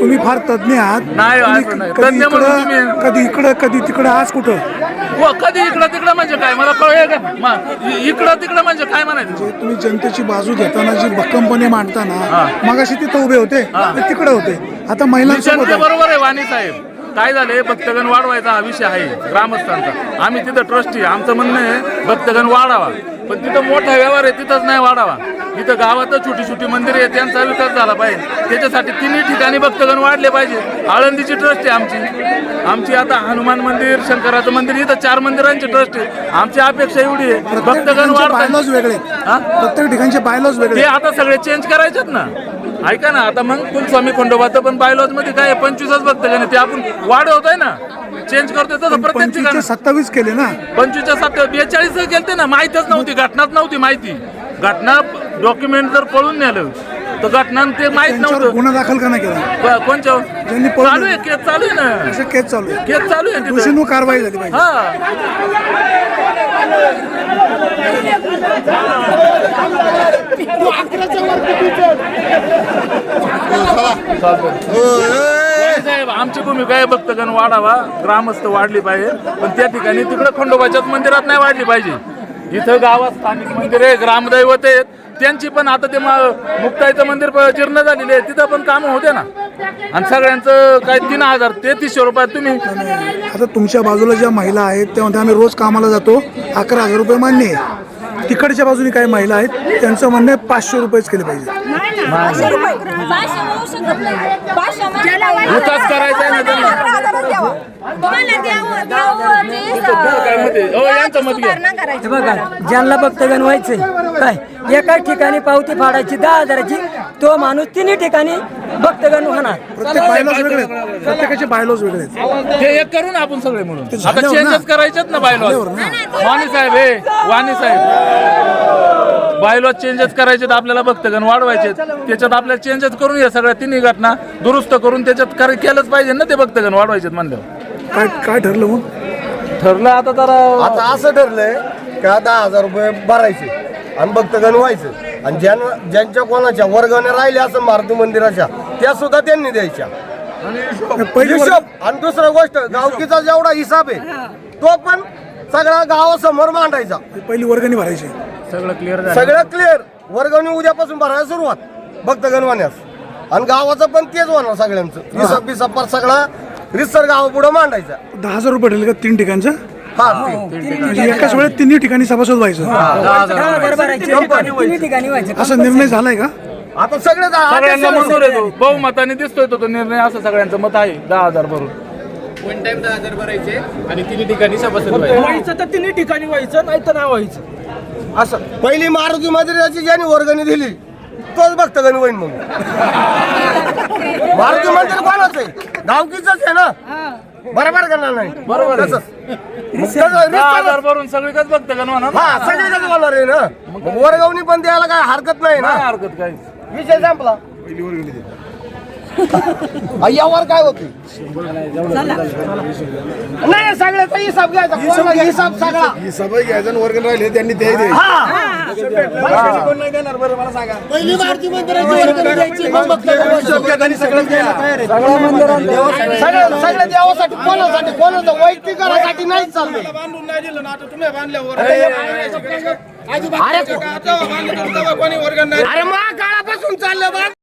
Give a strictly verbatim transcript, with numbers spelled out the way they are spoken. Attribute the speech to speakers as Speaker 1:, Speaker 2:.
Speaker 1: तुम्ही फार तज्ञ आहात.
Speaker 2: नाही,
Speaker 1: तुम्ही
Speaker 2: असं नाही.
Speaker 1: कधी
Speaker 2: तज्ञ म्हणून
Speaker 1: इकडं
Speaker 2: तुम्ही-
Speaker 1: कधी इकडं कधी तिकडं आज कुठं
Speaker 2: हो, कधी इकडं तिकडं म्हणजे काय मला कळलं का मा- इ- इकडं तिकडं म्हणजे काय म्हणायचं.
Speaker 1: तुम्ही जनतेची बाजू घेताना जी भक्कमपणे मांडताना मगाशी तिथं उभे होते ते तिकडे होते आता महिलांसोबत
Speaker 2: ते
Speaker 1: आहे.
Speaker 2: बरोबर आहे वाणी साहेब. काय झाले भक्तगण वाढवायचा हा विषय आहे ग्रामस्थांचा. आम्ही तिथं ट्रस्टी आमचं म्हणणं आहे भक्तगण वाढावा, पण तिथं मोठा व्यवहार आहे तिथंच नाही वाढावा. इथं गावातच छोटी छोटी मंदिरे आहेत त्यांचा विकास झाला पाहिजे. त्याच्यासाठी तिन्ही ठिकाणी भक्तगण वाढले पाहिजे. आळंदीची ट्रस्ट आहे आमची आमची आता हनुमान मंदिर शंकराचं मंदिर इथं चार मंदिरांची ट्रस्ट आहे. आमची अपेक्षा एवढी आहे भक्तगण
Speaker 1: बायलॉज
Speaker 2: वाढतात.
Speaker 1: वेगळे
Speaker 2: हा?
Speaker 1: प्रत्येक ठिकाणचे बायलॉज
Speaker 2: ते
Speaker 1: वेगळे
Speaker 2: आता सगळे चेंज करायचेत ना. ऐका ना आता मग कुलस्वामी खंडोबाचं पण बायलॉज मध्ये काय पंचवीसच भक्तगण ते आपण वाढवतोय ना चेंज करतोय तसं प्रत्येक
Speaker 1: पंचवीस
Speaker 2: ठिकाणी.
Speaker 1: ते सत्तावीस केले ना.
Speaker 2: पंचवीसच्या सत्तर बेचाळीस केलते ना. माहितच नव्हती घटनाच नव्हती माहिती. घटना डॉक्युमेंट जर पळून नेलं तर घटना ते माहित
Speaker 1: त्यांच्यावर
Speaker 2: नव्हतं.
Speaker 1: गुन्हा दाखल का नाही केला?
Speaker 2: ब- कोणच्या
Speaker 1: ज्यांनी पळून
Speaker 2: चालू आहे केस चालू आहे ना.
Speaker 1: असं केस चालू आहे.
Speaker 2: केस चालू आहे तिथं.
Speaker 1: दोषींवर कारवाई झाली पाहिजे.
Speaker 2: हा साहेब आमची भूमिका आहे भक्तगण वाढावा ग्रामस्थ वाढली पाहिजे, पण त्या ठिकाणी तिकडे खंडोबाच्याच मंदिरात नाही वाढली पाहिजे. इथं गावात स्थानिक मंदिर आहे ग्रामदैवत आहेत त्यांची पण आता ते म- मुक्ताईचं मंदिर प- जीर्ण झालेले आहे तिथं पण कामं होते ना. आणि सगळ्यांचं काय तीन हजार तेहतीसशे रुपयात तुम्ही
Speaker 1: आता तुमच्या बाजूला ज्या महिला आहेत त्यामध्ये आम्ही रोज कामाला जातो अकरा हजार रुपये मान्य आहे. तिकडच्या बाजूने काही महिला आहेत त्यांचं म्हणणं आहे पाचशे रुपयेच केले पाहिजे.
Speaker 2: विकास करायचा आहे ना त्यांना. काय मत आहे? हो, यांचं मत घ्या.
Speaker 3: हे बघा ज्यांना भक्तगण व्हायचंय काय एका ठिकाणी पावती फाडायची दहा हजाराची तो माणूस तिन्ही ठिकाणी भक्तगण होणार.
Speaker 1: प्रत्येक बायलॉज वेगळे आहेत. प्रत्येकाचे बायलॉज वेगळे आहेत.
Speaker 2: हे एक करू ना आपण सगळे म्हणून आता
Speaker 1: झाल्यावर ना.
Speaker 2: चेंजेस करायचेत ना बायलॉज.
Speaker 1: झाल्यावर ना.
Speaker 2: वाणी साहेब हे वाणी साहेब बायलॉज चेंजेस करायचे आपल्याला भक्तगण वाढवायचे त्याच्यात आपल्याला चेंजेस करून या सगळ्या तिन्ही घटना दुरुस्त करून त्याच्यात कर- केलंच पाहिजे ना ते भक्तगण वाढवायचे म्हणल्यावर.
Speaker 1: काय काय ठरलं मग?
Speaker 2: ठरलं आता जरा
Speaker 4: आता असं ठरलंय का दहा हजार रुपये भरायचे आणि भक्तगण व्हायचं आणि ज्या ज्यांच्या कोणाच्या वर्गाने राहिल्या असं मारुती मंदिराच्या त्या सुद्धा त्यांनी द्यायच्या.
Speaker 1: पहिली वर्ग-
Speaker 4: हिशोब आणि दुसरं गोष्ट गावकीचा जेवढा हिसाब आहे तो पण सगळा गावासमोर मांडायचा.
Speaker 1: पहिली वर्गणी भरायची.
Speaker 2: सगळं क्लिअर झालं.
Speaker 4: सगळं क्लिअर वर्गणी उद्यापासून भरायला सुरुवात भक्तगण होण्यास आणि गावाचं पण तेच होणार सगळ्यांचं हिसाब बिसाब सगळा रिसर गावा पुढे मांडायचा.
Speaker 1: दहा हजार रुपये ठरले का तीन ठिकाणचं?
Speaker 4: हा ते.
Speaker 1: म्हणजे एकाच वेळेत तिन्ही ठिकाणी सभासद व्हायचं
Speaker 3: दहा हजार भरायचे तिन्ही ठिकाणी व्हायचे.
Speaker 1: असा निर्णय झालाय का?
Speaker 4: आता सगळे जा-
Speaker 2: सगळ्यांना मंजूर आहे तो बहुमताने दिसतोय तो तो निर्णय असं सगळ्यांचं मत आहे दहा हजार भरून.
Speaker 5: वन टाइम दहा हजार भरायचे आणि तिन्ही ठिकाणी सभासद व्हायचे.
Speaker 6: व्हायचं तर तिन्ही ठिकाणी व्हायचं नाही तर नाही व्हायचं असं.
Speaker 4: पहिली मारुती मंदिराची ज्यांनी वर्गणी दिली तोच भक्तगण होईल. मग मारुती मंदिर कोणाच आहे? गावकीच आहे ना. बरोबर करणार नाही
Speaker 2: बरोबर आहे.
Speaker 4: तसंच. मग तसं
Speaker 2: दहा
Speaker 4: रिस्क-
Speaker 2: हजार भरून सगळीकच भक्तगण होणार ना.
Speaker 4: हा सगळीकडे होणार आहे ना. मग वर्गवणी पण द्यायला काय हरकत नाही ना.
Speaker 2: नाही हरकत काही.
Speaker 4: विषय संपला. यावर काय होते नाही सगळ्याचा हिसाब घ्यायचा कोणाला हिसाब सगळा
Speaker 1: हिसाब घ्यायचा वर्गणी राहिले त्यांनी ते
Speaker 4: पहिली मारुती मंदिराची वर्गणी द्यायची मग भक्तगण सगळं सगळ्या देवासाठी कोणासाठी कोणाचं वैयक्तिकरासाठी नाही चाललं.
Speaker 6: बांधून नाही दिलं ना आता तुम्ही बांधल्यावर
Speaker 4: अरे मग काळापासून चाललं बा.